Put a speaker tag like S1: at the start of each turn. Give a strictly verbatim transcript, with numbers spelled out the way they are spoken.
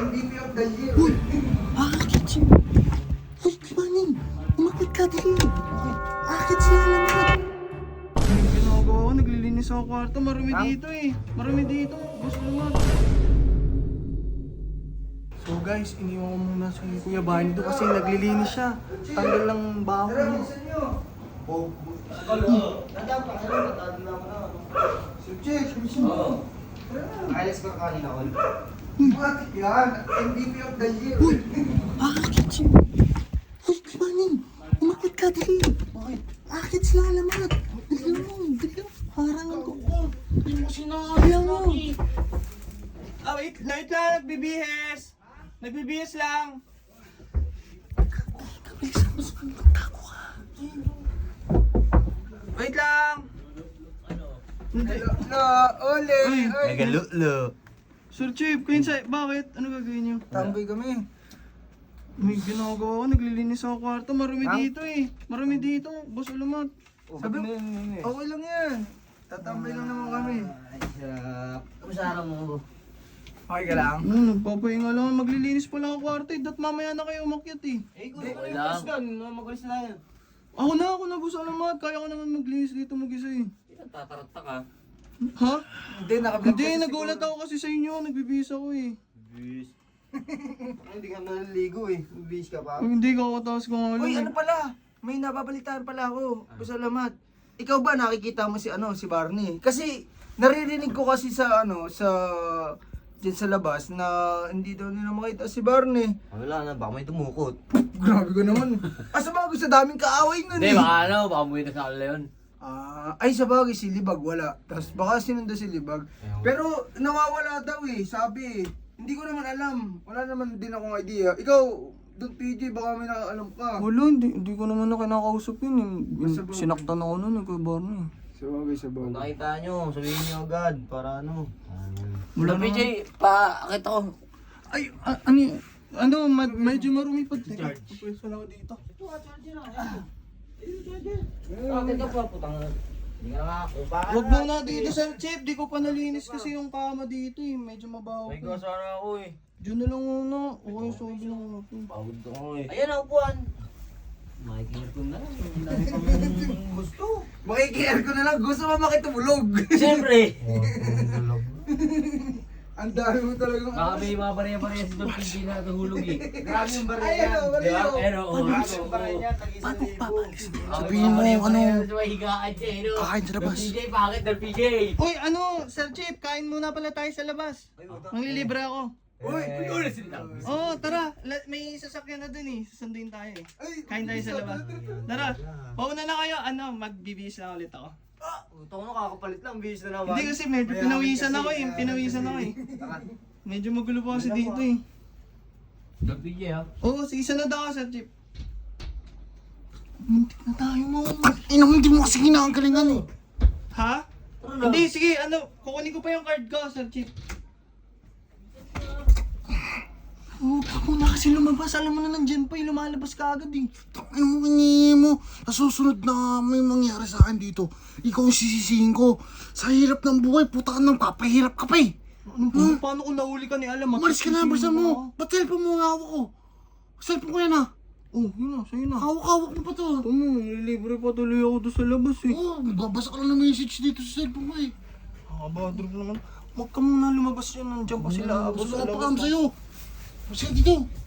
S1: M V P of the year.
S2: Uy! Akit siya! Uy, Manning! Umakit ka, dali! Akit siya naman!
S3: Yung ginagawa ko, naglilinis ako kwarto. Marami dito eh. Marami dito. Gusto naman. So guys, iniwan ko muna si Kuya Barney doon kasi naglilinis siya. Tanggal lang baho niya.
S1: Oh,
S3: So Jeff, gusto mo?
S1: Alex ko kanina ko. Bakit yan? M V P of the year.
S2: Uy! Akit siya! Uy, Manning! Umakit ka, dali!
S3: Bakit?
S2: Akit sila alamat! Dali mo! Dali mo! Harangan ko!
S3: Hindi mo sinakit.
S2: Kaya mo!
S3: Ah, wait, wait lang, nagbibihis. Nagbibihis lang.
S2: Kabilisan mo sa magtago ka!
S3: Wait lang. Hindi.
S1: Lo, ole,
S3: Uy,
S1: oy.
S2: Nagalulo!
S3: Sir Chief, kayo sa... Bakit? Ano gagawin niyo?
S1: Tambay kami.
S3: May ginagawa ko, naglilinis ako kwarto. Marami
S1: Ha?
S3: dito eh. Marami dito. Boss Alamat.
S1: Sabi mo, okay lang yan. Tatambay lang naman kami.
S4: Ay, sarap. Kamusta araw mo?
S1: Okay ka lang?
S3: Ano, nagpapahinga lang. Maglilinis pa lang ang kwarto eh. Dat mamaya na kayo umakyat eh.
S4: Eh, kung ako yung guys ka, magalis na yan.
S3: Ako na, ako na Boss Alamat. Kaya ko naman maglinis dito mag-isa eh.
S4: Tatarata ka.
S3: Ha?
S1: Hindi, nakablog
S3: Hindi,
S1: kasi
S3: nagulat
S1: siguro.
S3: ako kasi sa inyo. Nagbibihis ako eh.
S4: Bis. Hindi ka naliligo eh. Bis ka pa.
S3: Pag hindi ka kataas ko nga lang.
S1: Uy,
S3: eh.
S1: ano pala? May nababalitaan pala ako. Pasalamat. Ikaw ba nakikita mo si ano, si Barney? Kasi naririnig ko kasi sa ano, sa dyan sa labas na hindi daw nila makita si Barney.
S4: Wala na, baka may tumukot.
S1: Grabe ko naman. Asa ba sa daming kaaway nun
S4: Hindi,
S1: eh.
S4: baka ano, baka umuwi na sa kanila yun.
S1: Ah, ay sa bagay si Libag wala. Tapos baka sinunda si Libag. Pero nawawala daw eh, sabi eh. Hindi ko naman alam. Wala naman din akong idea. Ikaw, Don P J, baka may nakaalam ka.
S3: Wala, hindi, hindi ko naman na kinakausap yun eh.
S1: Basta ba-
S3: Sinaktan ako nun eh, Kuya Barney.
S1: Sa bagay, sa
S4: Kung
S1: bagay.
S4: nakita nyo, sabihin nyo agad, para ano.
S3: Wala
S4: Wala P J, pa, kita ko.
S3: Ay, a- ano yun? Ano, ma- medyo marumi pa. Teka, pupwesto lang ako dito.
S4: Bakit ka pa, putang. Hindi ka nga, kung bakit
S3: Huwag muna dito, Sir Chip. Di ko pa nalinis kasi yung kama dito eh. Medyo mabaho
S4: May
S3: pa.
S4: kasara ako eh.
S3: Diyan na lang muna. Okay, sabi lang ako.
S4: Pagod ako eh. Ayan ang upuan. Makikita ko na lang. Ang dami pang gusto.
S1: Makikiyar ko na lang, gusto mo makitulog.
S4: Siyempre.
S1: Ang dami mo talagang
S4: Baka may mga bariya-bariya si Don P J na natahulog eh.
S1: Grabe yung
S4: Ay,
S1: bariya.
S4: ano,
S1: bariya.
S4: Di ba? Pero, oh,
S1: Grabe yung bariya niya, tag-isa
S2: Paano
S1: libo.
S2: papalis?
S4: Ah,
S2: Sabihin mo,
S4: may
S2: ano,
S4: bariya-bariya sa may higaan siya, eh, no?
S2: kakain sa labas.
S4: Don P J, bakit Don P J?
S3: Uy, ano, Sir Chip, kain muna pala tayo sa labas. Manglilibre ako.
S1: Uy,
S4: Eh, ulit sila.
S3: Oo, oh, tara. La- may sasakyan na dun eh. Susunduin tayo eh.
S1: ay,
S3: Kain tayo sa labas. Tara, pauna na kayo. Ano, magbibihis na ulit ako.
S4: Ito ko nakakapalit lang, bihis na naman.
S3: Hindi kasi medyo pinawisan ako eh. Pinawisan ako eh. Medyo magulo pa kasi dito eh.
S4: Don P J ha?
S3: Oo, sige, sunod ako, Sir Chip.
S2: Muntik na tayo mo. Inang hindi mo kasi kinakagalingan eh.
S3: Ha? Hindi, sige, ano, kukunin ko pa yung card ko, Sir Chip.
S2: Huwag ka muna kasi lumabas. Alam mo na nandyan pa eh. Lumalabas ka agad eh. Tangin mo, hinihingi mo. Sa susunod na may mangyari sa akin dito, ikaw yung sisisihin ko. Sa hirap ng buhay, puta ka nang papahirap ka pa eh.
S3: Ano ba? Paano kung nahuli ka ni Alam?
S2: Umalis ka na, basta mo. Ba't cellphone mo ang hawak ko? Cellphone ko yan ah.
S3: Oh, yun na, sa'yo na.
S2: Hawak-hawak mo pa to.
S3: Tama, nililibre pa tuloy ako doon sa labas eh.
S2: Oo, oh, babasa ka lang ng message dito sa cellphone ko eh.
S3: Nakabadrop naman. Huwag ka muna lumabas yan, nandiyan pa sila.
S2: Gusto
S3: Abos
S2: ko
S3: sa
S2: pa
S3: labas.
S2: sa'yo. Sige dito.